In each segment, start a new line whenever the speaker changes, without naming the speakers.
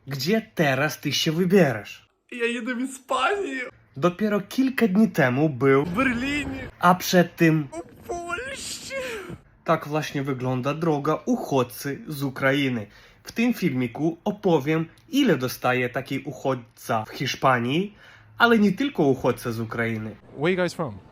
Gdzie teraz ty się wybierasz?
Ja jedę w Ispanię,
Dopiero kilka dni temu był,
w Berlinie,
a przed tym
w Polsce.
tak właśnie wygląda droga uchodźcy z Ukrainy. W tym filmiku opowiem, ile dostaje taki uchodźca w Hiszpanii, ale nie tylko uchodźca z Ukrainy.
Where are you guys from?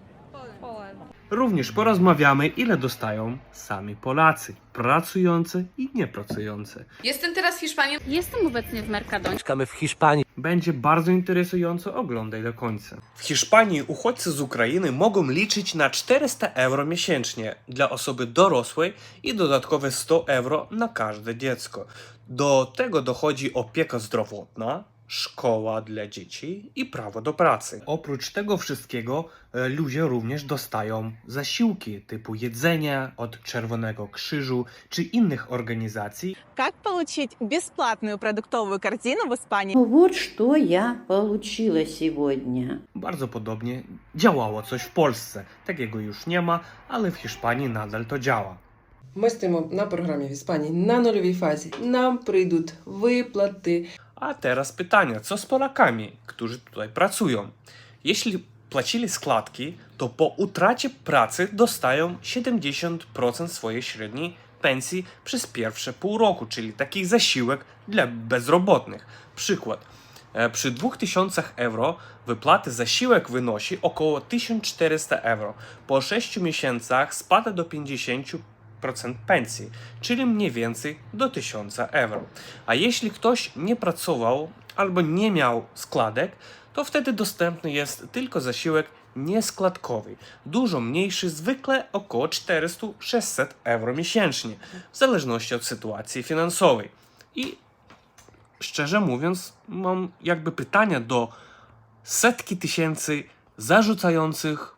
Również porozmawiamy, ile dostają sami Polacy, pracujący i niepracujący.
Jestem teraz w Hiszpanii.
Jestem obecnie w Mercadonie.
Mieszkamy w Hiszpanii.
Będzie bardzo interesująco, oglądaj do końca. W Hiszpanii uchodźcy z Ukrainy mogą liczyć na 400 euro miesięcznie dla osoby dorosłej i dodatkowe 100 euro na każde dziecko. Do tego dochodzi opieka zdrowotna, szkoła dla dzieci i prawo do pracy. Oprócz tego wszystkiego ludzie również dostają zasiłki typu jedzenia od Czerwonego Krzyżu czy innych organizacji.
Как получить бесплатную продуктовую корзину в Испании?
Вот что я получила сегодня.
Bardzo podobnie działało coś w Polsce. Takiego już nie ma, ale w Hiszpanii nadal to działa.
Ми стоїмо на програмі в Іспанії на нульовій фазі. Нам прийдуть виплати.
A teraz pytanie, co z Polakami, którzy tutaj pracują? Jeśli płacili składki, to po utracie pracy dostają 70% swojej średniej pensji przez pierwsze pół roku, czyli taki zasiłek dla bezrobotnych. Przykład. Przy 2000 euro wypłaty zasiłek wynosi około 1400 euro. Po 6 miesiącach spada do 50% pensji, czyli mniej więcej do 1000 euro. A jeśli ktoś nie pracował albo nie miał składek, to wtedy dostępny jest tylko zasiłek nieskładkowy, dużo mniejszy, zwykle około 400-600 euro miesięcznie, w zależności od sytuacji finansowej. I szczerze mówiąc, mam jakby pytania do setki tysięcy zarzucających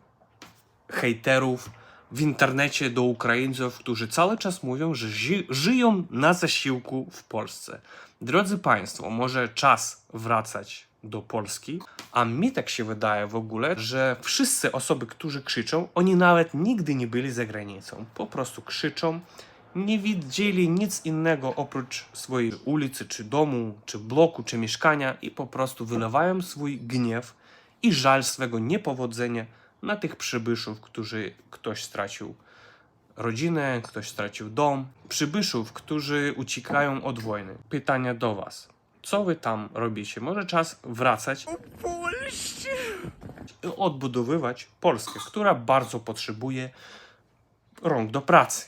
hejterów w internecie do Ukraińców, którzy cały czas mówią, że żyją na zasiłku w Polsce. Drodzy Państwo, może czas wracać do Polski, a mi tak się wydaje w ogóle, że wszyscy osoby, którzy krzyczą, oni nawet nigdy nie byli za granicą. Po prostu krzyczą, nie widzieli nic innego oprócz swojej ulicy, czy domu, czy bloku, czy mieszkania i po prostu wylewają swój gniew i żal swego niepowodzenia na tych przybyszów, ktoś stracił rodzinę, ktoś stracił dom. Przybyszów, którzy uciekają od wojny. Pytania do Was. Co Wy tam robicie? Może czas wracać i odbudowywać Polskę, która bardzo potrzebuje rąk do pracy.